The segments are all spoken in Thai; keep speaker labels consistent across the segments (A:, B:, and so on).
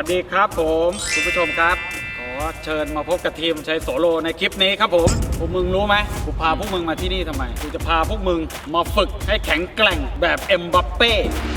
A: วัสดีครับผมคุณผู้ชมครับขอเชิญมาพบกับทีมชัยโสโลในคลิปนี้ครับผมพวกมึงรู้ไหมกูพาพวกมึงมาที่นี่ทำไมกูจะพาพวกมึงมาฝึกให้แข็งแกร่งแบบเอ็มบัปเป้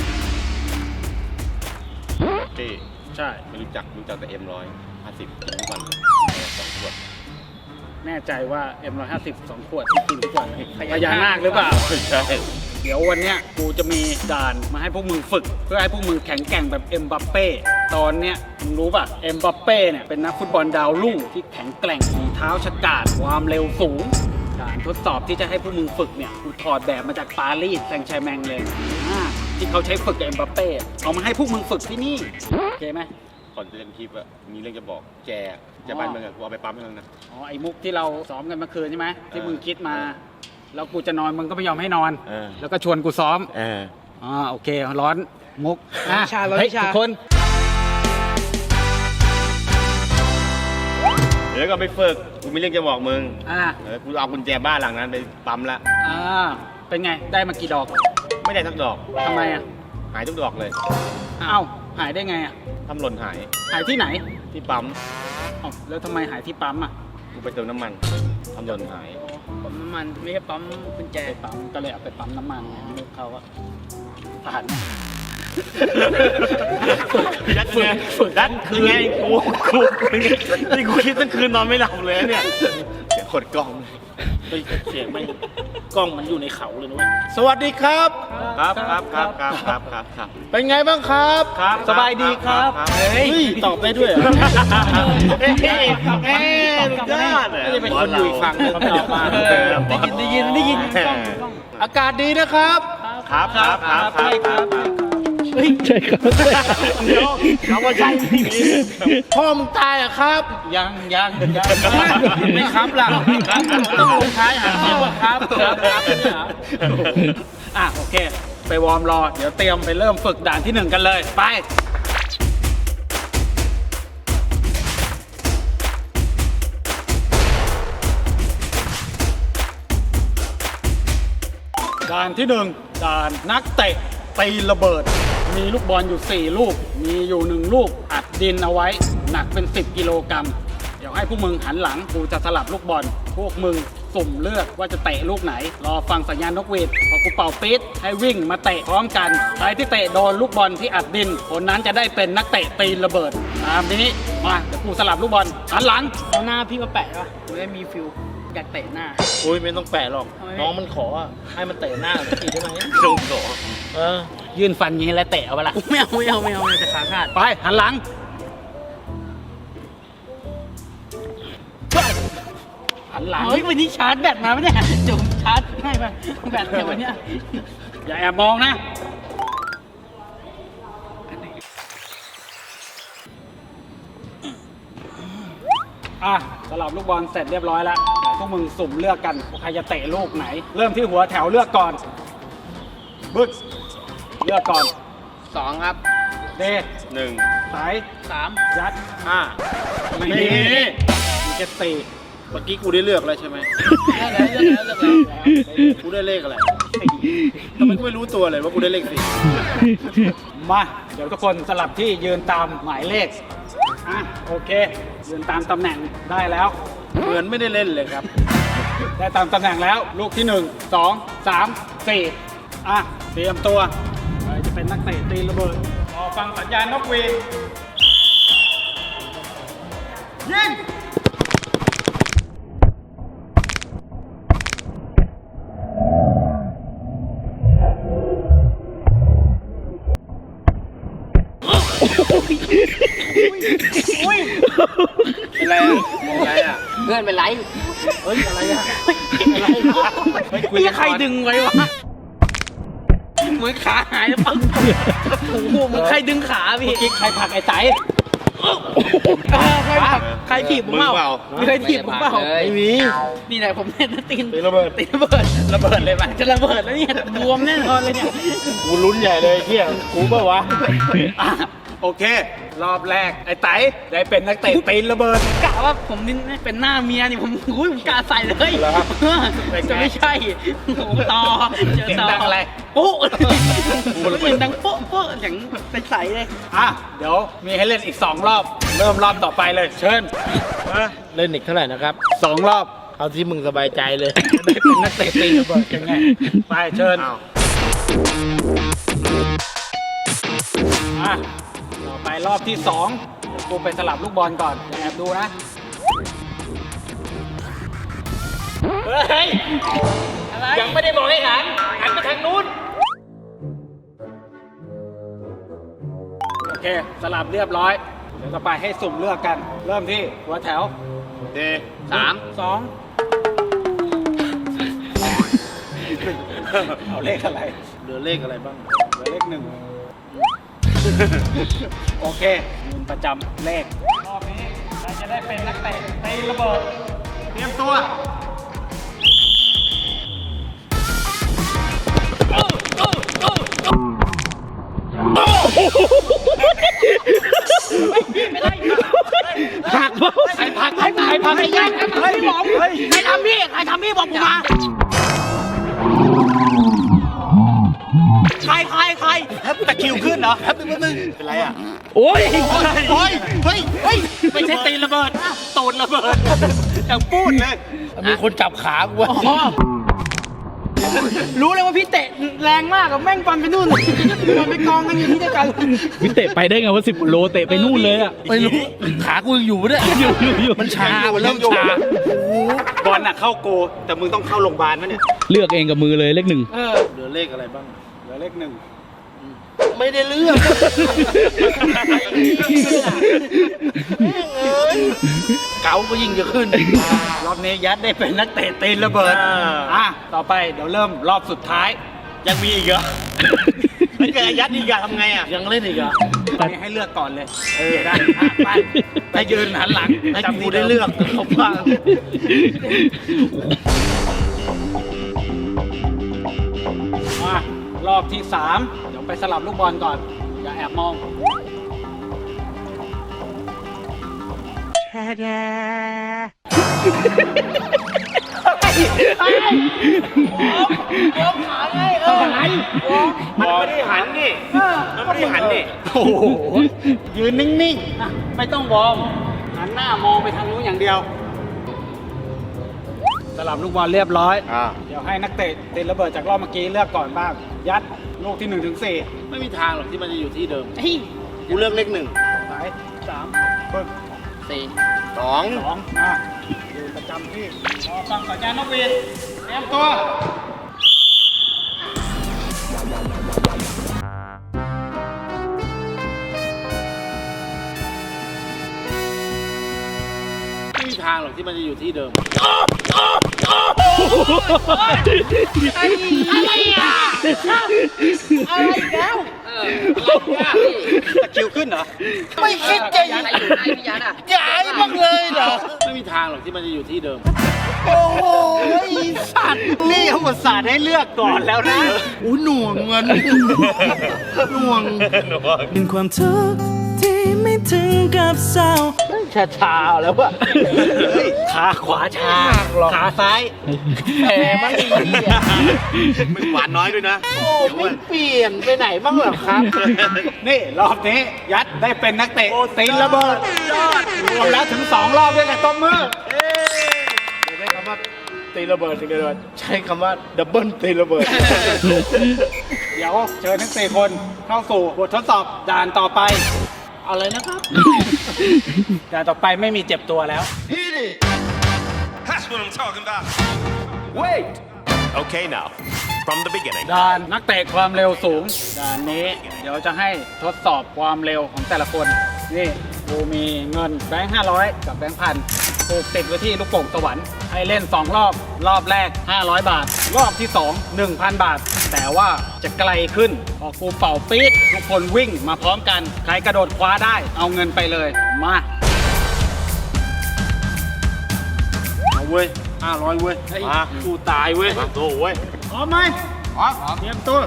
B: ที่
A: ใช่
B: ไม่รู้จักแต่M150กินทุกวัน2 ขวด
A: แน่ใจว่า M150 2 ขวดที่กินทุกวันพญานาคหรือเปล่า
B: ใช่
A: เดี๋ยววันเนี้ยกูจะมีด่านมาให้พวกมึงฝึกเพื่อให้พวกมึงแข็งแกร่งแบบเอ็มบัปเป้ตอนเนี้ยมึงรู้ป่ะเอ็มบัปเป้เนี่ยเป็นนักฟุตบอลดาวรุ่งที่แข็งแกร่งฝีเท้าฉกาจความเร็วสูงด่านทดสอบที่จะให้พวกมึงฝึกเนี่ยกูถอดแบบมาจากปารีสแซงต์แชร์แมงเลยที่เขาใช้ฝึกกับเอ็มบัปเป้เอามาให้พวกมึงฝึกที่นี่โอเคไหม
B: ก่อนจะเล่นคลิปอะมีเรื่องจะบอกแกบ้านเมืองอะกูเอาไปปั๊มให้มึงนะ
A: ไอ้มุกที่เราซ้อมกันเมื่อคืนใช่ไหมที่มึงคิดมาแล้วกูจะนอนมึงก็ไม่ยอมให้นอนแล้วก็ชวนกูซ้อมโอเคร้อนมุกเฮ้ยทุกคน
B: เดี๋ยวก็ไปฝึกกูมีเรื่องจะบอกมึงกูเอากุญแจบ้านหลังนั้นไปปั๊มละ
A: เป็นไงได้มากี่ดอก
B: ไม่ได้สักดอก
A: ทำไมอ่ะ
B: หายทุกดอกเลย
A: หายได้ไงอ่ะ
B: ทำหล่นหาย
A: ที่ไหน
B: ที่ปั๊ม
A: แล้วทำไมหายที่ปั๊มอ่ะ
B: กูไปเติมน้ำมันทำหล่นหาย
A: ปั๊มน้ำมันไม่ใช่ปั๊มกุญแจปั๊มก็เลยเอาไปปั๊มน้ำมันลูกเขาก็ผ่าน
B: ดันคือไงกูนี่กูคิดตั้งคืนนอนไม่หลับเลยเนี่ยเสียงขดกล้อง
A: เสียงไม่กล้องมันอยู่ในเขาเลยนะเว้ย
B: สวัสดีครับครับเป็นไงบ้างครับ
A: สบายดีครับ
B: เฮ้ยตอบได้ด้วยเหรอ
A: ไม่ได้เป็นคนอยู่อีกฝั่งนึงตอบมาได้ยิน
B: อากาศดีนะครับครับ
A: ใช่ครับ
B: เดี๋ยวเขาว่าใช่พ่อมึงตายอ่ะครับ
A: ยังไม่ครับล่ะต้องลงท้ายหาเสียงว่าครับโอเคไปวอร์มรอเดี๋ยวเตรียมไปเริ่มฝึกด่านที่1กันเลยไปด่านที่1ด่านนักเตะตีระเบิดมีลูกบอลอยู่4ลูกมีอยู่1ลูกอัดดินเอาไว้หนักเป็น10 กิโลกรัมเดี๋ยวให้พวกมึงหันหลังกูจะสลับลูกบอลพวกมึงสุ่มเลือกว่าจะเตะลูกไหนรอฟังสัญญาณนกหวีดพอกูเป่าปี๊ดให้วิ่งมาเตะพร้อมกันใครที่เตะโดนลูกบอลที่อัดดินคนนั้นจะได้เป็นนักเตะตีระเบิดตามนี้มาเดี๋ยวกูสลับลูกบอลหันหลัง
C: เอาหน้าพี่มาแปะป่ะกูได้มีฟิลอยากเตะหน้า
B: อุ้ยไม่ต้องแปะหรอกน้องมันขอให้มันเตะหน้าสักทีได้ไหมจงขอ
A: ยื่นฟันอย่างนี้แล้วเตะเอาไปละ
C: ไม่เอาจะขาขาด
A: ไปหันหลังหันหลัง
C: เฮ้ยวันนี้ชาร์จแบตมาไหมเนี่ยจุ่มชาร์จให้ป่ะแบตเดี๋ยววันนี้
A: อย่าแอบมองนะสลับลูกบอลเสร็จเรียบร้อยแล้วพวกมึงสุ่มเลือกกันใครจะเตะลูกไหนเริ่มที่หัวแถวเลือกก่อนบึ๊กเลือกก่อน
C: 2ครับ
A: เด1สาย
C: 3
A: ยัด5ไม่มีเจ็ดตี
B: เมื่อกี้กูได้เลือกแล้วใช่ไหม
C: เลือกแล้ว
B: กูได้เลขอะไรทำไมกูไม่รู้ตัวเลยว่ากูได้เลข4
A: มาเดี๋ยวทุกคนสลับที่ยืนตามหมายเลขโอเคยืนตามตำแหน่งได้แล้ว
B: เหมือนไม่ได้เล่นเลยครับ
A: ได้ตามตำแหน่งแล้วลูกที่1 2 3 4เตรียมตัวจะเป็นนักเตะตีระเบิดรอฟังสัญญาณนกหวีดยิง
B: อะไรอ่ะ
C: เพื่อนเป็นไร
B: เฮ้ยอะไรอ่ะ
C: ใครดึงไว้วะเหมือนขาหายแล้วปังโอ้โหมึงใครดึงขาพี่
A: กิ๊กใครผลักไอ้ใจ
C: ใครถีบผมเปล่าใครถีบผมเปล่า
B: ไม่มี
C: นี่แหละผมเล่นตีน
B: ระเบิด
C: เลยป่ะจะระเบิดแล้วเนี่ยบวมแน่นอนเลยเนี่ย
B: กูลุ้นใหญ่เลยเที่ยกูเปล่าวะ
A: โอเครอบแรกไอ้ไตได้เป็นนักเตะตีนระเบิด
C: กะว่าผมนี่เป็นหน้าเมียนี่ผมกะใส่เลย
A: เหรอครับ
C: จะไม่ใช่โอ้โหต่อเจอ
A: เสียง
C: ต่อ
A: ดังอะไร
C: โป๊ะเสียงดังโป๊ะโป๊ะเสียงใสๆเลย
A: อ่ะเดี๋ยวมีให้เล่นอีก2รอบเริ่มรอบต่อไปเลยเชิญ
D: เล่นอีกเท่าไหร่นะครับ
A: 2 รอบ
D: เอาที่มึงสบายใจเลย
A: ได้เป็นนักเตะตีนระเบิดกันไงไปเชิญ
B: อ้าว
A: อ่ะต่อไปรอบที่2เดี๋ยวกูไปสลับลูกบอลก่อนแอบดูนะเฮ้ย
C: อะไร
A: ยังไม่ได้บอกให้หันไปทางนู้นโอเคสลับเรียบร้อยเดี๋ยวต่อไปให้สุ่มเลือกกัน เริ่มที่หัวแถว
B: เด
A: 2 เอาเลขอะไร
D: เหลือเลขอะไรบ้าง
A: เหลือเลข 1 โอเคเงินประจำเลข รอบนี้ใครจะได้เป็นนักเตะตีระเบิด เตรียมตัว
C: ผักใครผักใครผักใครผักไอ้ยันใครบอกใครทำพี่บอกผมมาใคร
B: ตะคริวขึ้นเหรอแป๊บนึงเป็นไรอ่ะ
D: โอ้ย
B: เฮ้ย
A: ไม่ใช่ตีระเบิดตูดระเบิด
B: อย่างพูดเลย
D: มีคนจับขากูวะ
C: รู้เลยว่าพี่เตะแรงมากกับแม่งฟันไปนู่นมันไปกองกันอยู่ที่เดียวกัน
D: พี่เตะไปได้ไงว่า10 โลเตะไปนู่นเลยอ่ะ ไม่รู้ ขากูยังอยู่เนี่ยอยู่มันชา มันเริ่มชา
B: บอลน่ะเข้าโก แต่มึงต้องเข้าโรงพยาบาลมั้ยเนี่ย
D: เลือกเองกับมือเลยเลข 1
B: เหลือเลขอะไรบ้าง
A: เหลือเลข 1
D: ไม่ได้เลือก เก๋าก็ยิ่งจะขึ้น
A: รอบนี้ยัดได้เป็นนักเตะตีนระเบิด อ่ะ ต่อไปเดี๋ยวเริ่มรอบสุดท้าย
B: ยังมีอีกเหรอไม่เกิดยัดอีกอะทำไงอะ
D: ยังเล่นอีกอ่ะ
A: ตอนนี้ให้เลือกก่อนเลยได้ไปไปยืนหันหลัง
D: ให้
A: จำ
D: กู
A: ที่
D: ได้เลือกเขาบ้าง
A: มารอบที่ 3 เดี๋ยวไปสลับลูกบอลก่อน อย่าแอบมอง
B: มันไม่ได้หันนี่มันไม่ได้หันนี่
A: โอ้โห ยืนนิ่งๆนะไม่ต้องวอร์มหันหน้ามองไปทางนู้นอย่างเดียว สลับลูกบอลเรียบร้อย เดี๋ยวให้นักเตะตีระเบิดจากรอบเมื่อกี้เลือกก่อนบ้าง ยัดลูกที่ 1 ถึง 4
D: ไม่มีทางหรอกที่มันจะอยู่ที่เดิม
B: กูเลือกเลข 1
A: สาย3ปึ๊บ
B: 2
A: 2มาอยู่ประจำที่รอฟังสัญญาณนกหวีดเตรียมตัว
D: ไม่มีทางหรอกที่มันจะอยู่ที่เดิม
C: อะไรอ่ะอะไรอีกแล้ว
A: ตะคริวขึ้นเหรอ
D: ไม่คิดจะ
C: ยันอะไรอยู่ไหนพี่ยันอ่ะ
D: ย้ายบ้างเลยเหรอ ไม่มีทางหรอกที่มันจะอยู่ที่เดิม
A: โอ้โหสัตว์นี่เขาอุตส่าห์ให้เลือกก่อนแล้วนะ
D: อู้หน่วงเงินหน่วง
E: เป็นความทุกข์ที่ไม่ถึงกับเศร้า
D: ชาแล้ววะ
A: ขาขวาชา ขาซ้าย
D: แหมมันดีอ่ะ
B: มึงหวานน้อยด้วยนะ
D: โอ้ไม่เปลี่ยนไปไหนบ้างเหรอครับ
A: นี่รอบนี้ยัดได้เป็นนักเตะตีนระเบิดรวมแล้วถึง 2 รอบด้วยกันตบมือ
D: ใช้คำว่าตีระเบิดตีระเบิดใช้คำว่าดับเบิลตีระเบิด
A: เดี๋ยวเชิญทั้ง 4 คนเข้าสู่บททดสอบด่านต่อไป
D: อะไรนะครับ
A: ด่านต่อไปไม่มีเจ็บตัวแล้ว
F: That's what I'm talking about. Wait. Okay, now, from the beginning.
A: ด่านนักเตะความเร็วสูง ด่านนี้เดี๋ยวจะให้ทดสอบความเร็วของแต่ละคน นี่กูมีเงินแบงค์500 กับแบงค์พันถูกติดไว้ที่ลูกโป่งสวรรค์ให้เล่น 2 รอบ รอบแรก 500 บาท รอบที่ 2 1,000 บาท แต่ว่าจะไกลขึ้น พอกูเป่าปี๊ดทุกคนวิ่งมาพร้อมกัน ใครกระโดดคว้าได้เอาเงินไปเลย มา
B: เอาเว้ย500 เว้ย มากูตายเว้ยโอ้เว้ย
A: พร้อมไหมพร้อมเตรียมตัว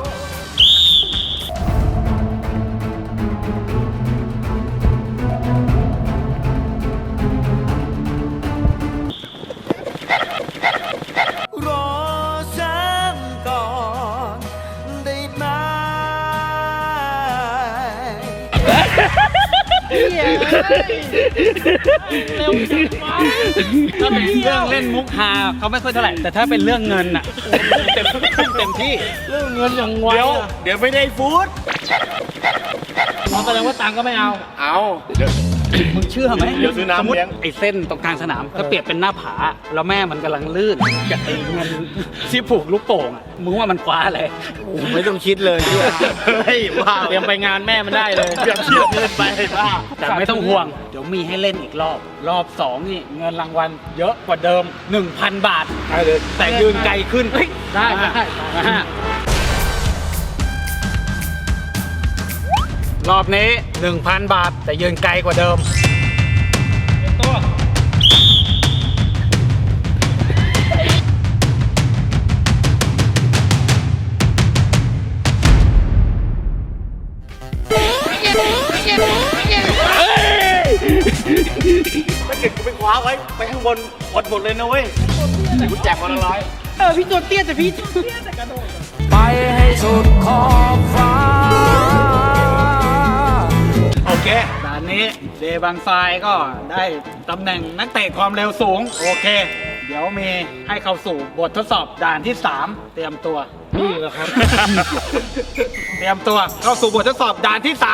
A: ถ้าเป็นเรื่องเล่นมุกฮาเขาไม่ค่อยเท่าไหร่ แต่ถ้าเป็นเรื่องเงินอ่ะเต็มที่
D: เรื่องเงินอย่างไว
B: เดี๋ยวไม่ได้ฟู้ด
D: แสดงว่าตังค์ก็ไม่เอา
B: เอา
A: มึงเชื่อไหม
B: เดี๋ยวซื้อน้ำ
A: สมมติ
B: เลี้ยง
A: ไอ้เส้นตรงกลางสนามถ้าเปรียบเป็นหน้าผา แล้วแม่มันกำลังลื่นกับไอ้เงินที่ผูกลูกโป่งอ่ะมึงว่ามันคว้าอะไร
D: ไม่ต้องคิดเลย
B: เฮ้ยว่า
D: เตรียมไปงานแม่มันได้เลย
B: เปรียบเทียบเกินไปว่า
A: แต่ไม่ต้องห่วง เดี๋ยวมีให้เล่นอีกรอบ รอบ 2 นี่เงินรางวัลเยอะกว่าเดิม 1,000 บาท
D: ได้เลย
A: แต่ยืนไกลขึ้นเฮ้ย
D: ได้
A: รอบนี้ 1,000 บาท แต่ยืนไกลกว่าเดิมตัว
B: ถ้าเกิดกูไปคว้าไว้ไปข้างบนอดหมดเลยนะเว้ยกูแจกคนละร้อย
C: พี่ตัวเตี้ยแต่พี่
E: ไปให้สุดขอบฟ้า
A: โอเคด่านนี้เดบางทรายก็ได้ตำแหน่งนักเตะความเร็วสูง โอเค เดี๋ยวมีให้เข้าสู่บททดสอบด่านที่ 3 เตรียมตัว
D: นี่แหละครับ
A: เตรียมตัวเข้าสู่บททดสอบด่านที่ 3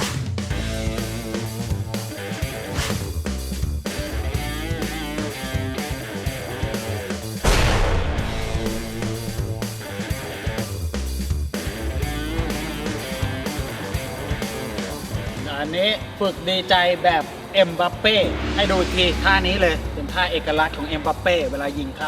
A: อันนี้ฝึกดีใจแบบเอ็มบัปเป้ให้ดูอีกทีท่านี้เลย เป็นท่าเอกลักษณ์ของเอ็มบัปเป้เวลายิงเข้า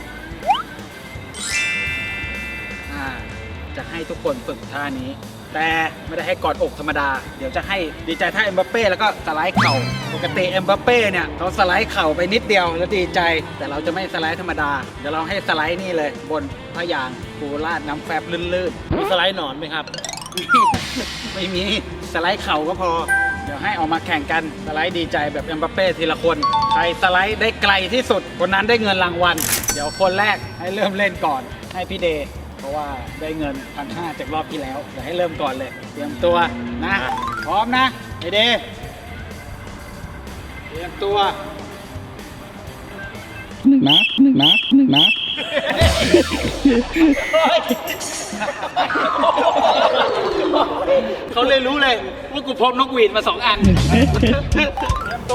A: จะให้ทุกคนฝึกท่านี้ แต่ไม่ได้ให้กอดอกธรรมดา เดี๋ยวจะให้ดีใจท่าเอ็มบัปเป้แล้วก็สไลด์เข่าปกติเอ็มบัปเป้เนี่ยเขาสไลด์เข่าไปนิดเดียวแล้วดีใจ แต่เราจะไม่สไลด์ธรรมดาเดี๋ยวเราให้สไลด์นี่เลย บนผ้ายางปูราดน้ำแฟบลื่นๆ
D: มีสไลด์หนอนไหมครับ
A: ไม่มีสไลด์เข่าก็พอ เดี๋ยวให้ออกมาแข่งกันสไลด์ดีใจแบบเอ็มบัปเป้ทีละคน ใครสไลด์ได้ไกลที่สุดคนนั้นได้เงินรางวัล เดี๋ยวคนแรกให้เริ่มเล่นก่อนให้พี่เดย์เพราะว่าได้เงิน 1,500 จากรอบที่แล้วเดี๋ยวให้เริ่มก่อนเลย เตรียมตัวนะพร้อมนะไอเดย์เตรียมตัว
D: หนึ่งนะ
A: เขาเลยรู้เลยว่ากูพกนกหวีดมา 2 อัน เตรียมตัว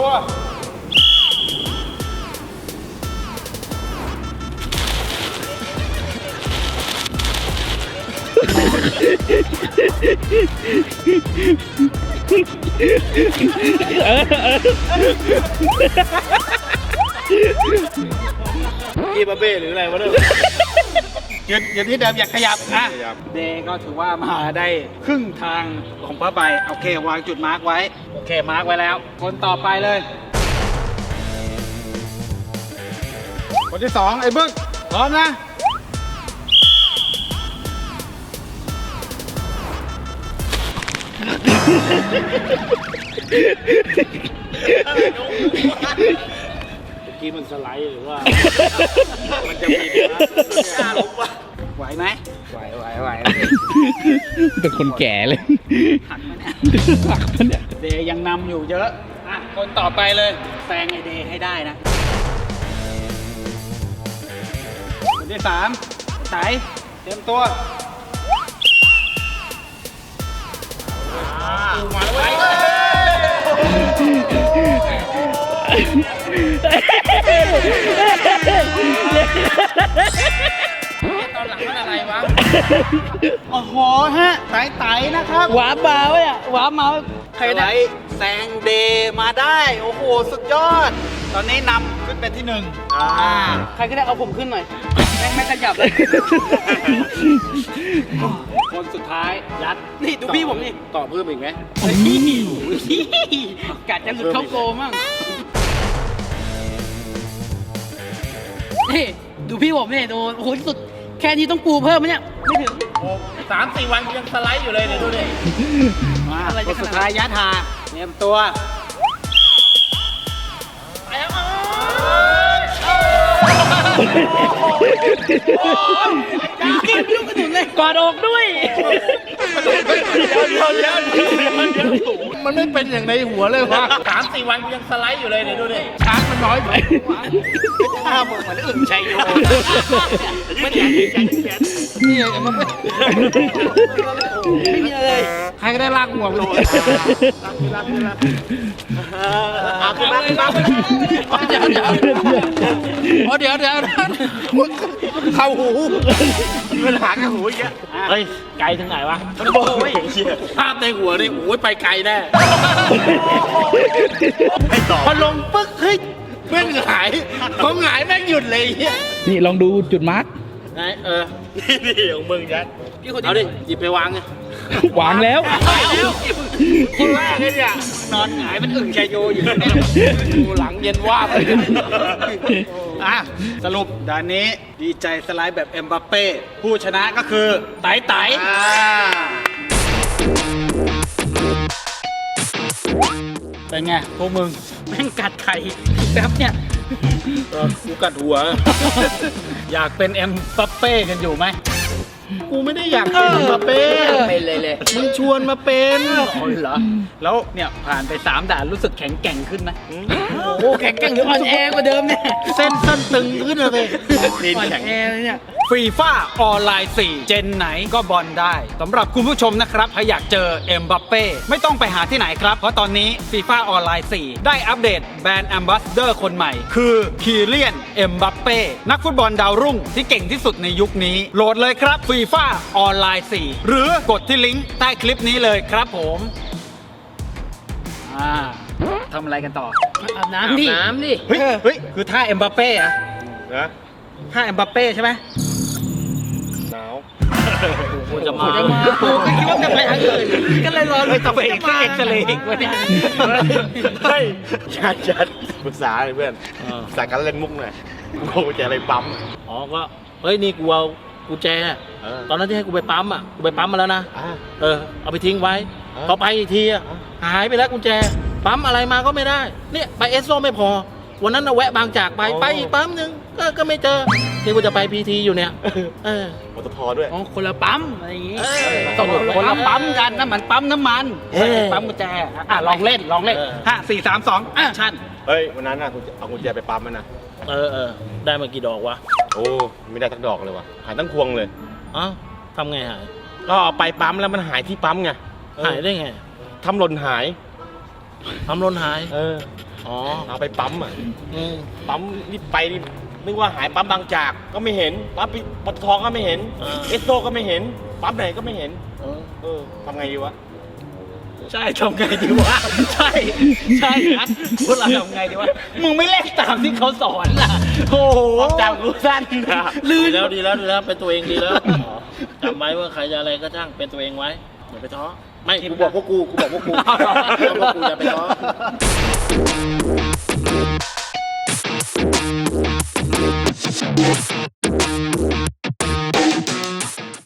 B: อีบาเบ้หรืออะไรวะเนี่ย
A: ยืนที่เดิมอย่าขยับอ่ะ
B: ขยับ
A: เดย์ก็ถือว่ามาได้ครึ่งทางของผ้าใบโอเควางจุดมาร์กไว้โอเคมาร์กไว้แล้ว คนต่อไปเลย คนที่ 2 ไอ้บึ้งพร้อมนะ
D: เมื่อกี้มันสไลด์หรือว่า
B: มันจะมีกล้าลบวะ
A: ไหวไหมไหว
D: เป็นคนแก่เลย
A: หักไหมเนี่ย
D: หักมันเนี่ย
A: เดย์ยังนำอยู่เยอะอ่ะคนต่อไปเลยแซงไอเดย์ให้ได้นะ คนที่ 3ไต่เตรียมตัว
B: มาแล้วเว้ย
C: ตอนหลังมันอะไรวะ
A: โอ้โหฮะไต่นะครับ
C: หวาบาวอ่ะหวาเมาใคร
A: ไต่
C: ได้
A: แซงเดย์มาได้ โอ้โห สุดยอด ตอนนี้นำขึ้นเป็นที่ 1
C: ใครก็ได้เอาผมขึ้นหน่อยไม่ขยับเลย
A: คนสุดท้ายยัด
C: นี่ดูพี่ผมนี่
B: ต่อเพิ่มอีกไหม
C: กัดจะหลุดเข้าโกมั่งนี่ดูพี่ผมนี่ดูโอ้โหสุดแค่นี้ต้องปูเพิ่มไหมเนี่ยไม่ถึง
B: 3-4 วันยังสไลด์อยู่เลยเนี่ยดูดิ
A: มา
C: อะไร
A: ค
C: จะ
A: น
C: ขนาดนั้น
A: สุดท้ายยัดหาเตรียมตัว
C: กิ้งลูกกระดุนเลย
D: กอดอกด้วย
B: มันไม่เป็นอย่างในหัวเลยวะ3-4 วันกูยังสไลด์อยู่เลยเนี่ยดูดิ
D: ช้างมันน้อยไป
B: ถ้ามึงเหมือนอึ่งชัยโยไม่แขน
D: นี่ไงมันไม่มีอะไรใครก็ได้ลากหัวมัน
B: เอาขึ้นมา
D: เดี๋ยวเข้าหู
B: มันหางกับหูอีกอะ
D: เฮ้ยไกลถึงไหนวะ
B: มันโอ้ยเชี่ย
D: ภาพในหัวนี่โอ้ยไปไกลแน่
B: ให้ต่อ
D: พอลงปึ๊กเฮ้ยแม่งหายพอหงายแม่งหยุดเลยเฮีย
G: นี่ลองดูจุดมาร์ก
D: ไหน
B: นี่ของมึงยัด
D: เอาดิหยิบไปวางไง
G: วางแล้ว
D: คนแรกเลยเนี่ยนอนหงายเป็นอึ่งชัยโยอยู่เนี่ยดูหลังเย็นว่าบเลย
A: อ่ะสรุปด่านนี้ดีใจสไลด์แบบเอ็มบัปเป้ผู้ชนะก็คือไต่ไต่เป็นไงพวกมึง
D: แม่งกัดไข่แป๊บเนี่ย
A: กูกัดหัว อยากเป็นเอ็มบัปเป้กันอยู่ไหม
B: กูไม่ได้อยากเป็นมาเป็น
C: เป็นเลย
B: มึงชวนมาเป็น
A: เหรอแล้วเนี่ยผ่านไป3ด่านรู้สึกแข็งแกร่งขึ้นไหม
C: โอ้แข็งแกร่งหรืออ่อนแอกว่าเดิมเนี่ย
B: เส้นสั้นตึงขึ้นเลย
C: อ่อนแอเลยเนี่ย
A: ฟีฟ่าออนไลน์4 เจนไหนก็บอลได้สำหรับคุณผู้ชมนะครับถ้าอยากเจอเอ็มบัปเป้ไม่ต้องไปหาที่ไหนครับ เพราะตอนนี้ฟีฟ่าออนไลน์4ได้อัปเดตแบรนด์แอมบาสเดอร์คนใหม่ คือคีเลียนเอ็มบัปเป้นักฟุตบอลดาวรุ่งที่เก่งที่สุดในยุคนี้โหลดเลยครับฟีฟ่าออนไลน์4หรือกดที่ลิงก์ใต้คลิปนี้เลยครับผมทำอะไรกันต่อ
C: อาบน้ำดิ
A: เฮ้ยคือท่าเอ็มบัปเป้อะ
B: นะ
A: ท่าเอ็มบัปเป้ใช่ไหม
B: หนาว
D: กูจะมา
C: กูก็คิดว่าจะไปทางอื่นก็เลยรอ
A: เฮ้ยต้องไปเอ็กซเรย์อีกวะเนี่ย
B: เฮ้ยยัดปรึกษาเลยเพื่อนปรึกษาการเล่นมุกหน่อยกูจะอะไรปั๊ม
D: อ๋อก็เฮ้ยนี่กูเอากุญแจตอนนั้นที่ให้กูไปปั๊มอ่ะกูไปปั๊มมาแล้วนะเอาไปทิ้งไว้พอไปอีกทีอ่ะหายไปแล้วกุญแจปั๊มอะไรมาก็ไม่ได้เนี่ยไปเอสโซไม่พอวันนั้นน่ะแวะบางจากไปอีกปั๊มนึงก็ไม่เจอนี่กูจะไปพีทีอยู่เนี่ย
B: ปตทด้วย
C: อ๋อคนละปั๊มอะไรอย่างงี้
A: ต้องคนละปั๊มกันนะเหมือนปั๊มน้ำมันปั๊มกุญแจลองเล่น5 4 3 2ชั่น
B: เฮ้ยวันนั้นน่ะกูเอากุญแจไปปั๊มมันนะ
D: ได้มากี่ดอกวะ
B: โอ้ไม่ได้สักดอกเลยว่ะหายตั้งพวงเลย
D: อ๋อทำไงหาย
B: ก็เอาไปปั๊มแล้วมันหายที่ปั๊มไง
D: หายได้ไง
B: ทำหล่นหาย
D: ทำหล่นหาย อ๋อ
B: เอาไปปั๊มอ่ะปั๊มนี่ไปนี่นึกว่าหายปั๊มบางจากก็ไม่เห็นปั๊มปตทก็ไม่เห็นเอสโซก็ไม่เห็นปั๊มไหนก็ไม่เห็นทำไงดีวะ
A: ใช่ทำไงดีวะใช่นะพวกเราทำไงดีวะมึงไม่เล่นตามที่เขาสอนล่ะโอ้โห
B: จำกูสั้น
D: ดีแล้วเป็นตัวเองดีแล้วจำไว้ว่าใครจะอะไรก็ช่างเป็นตัวเองไว้อย่าไปท้อไม่
B: กูบอกพวกกูบอกพวกกูอย่าไปท้อ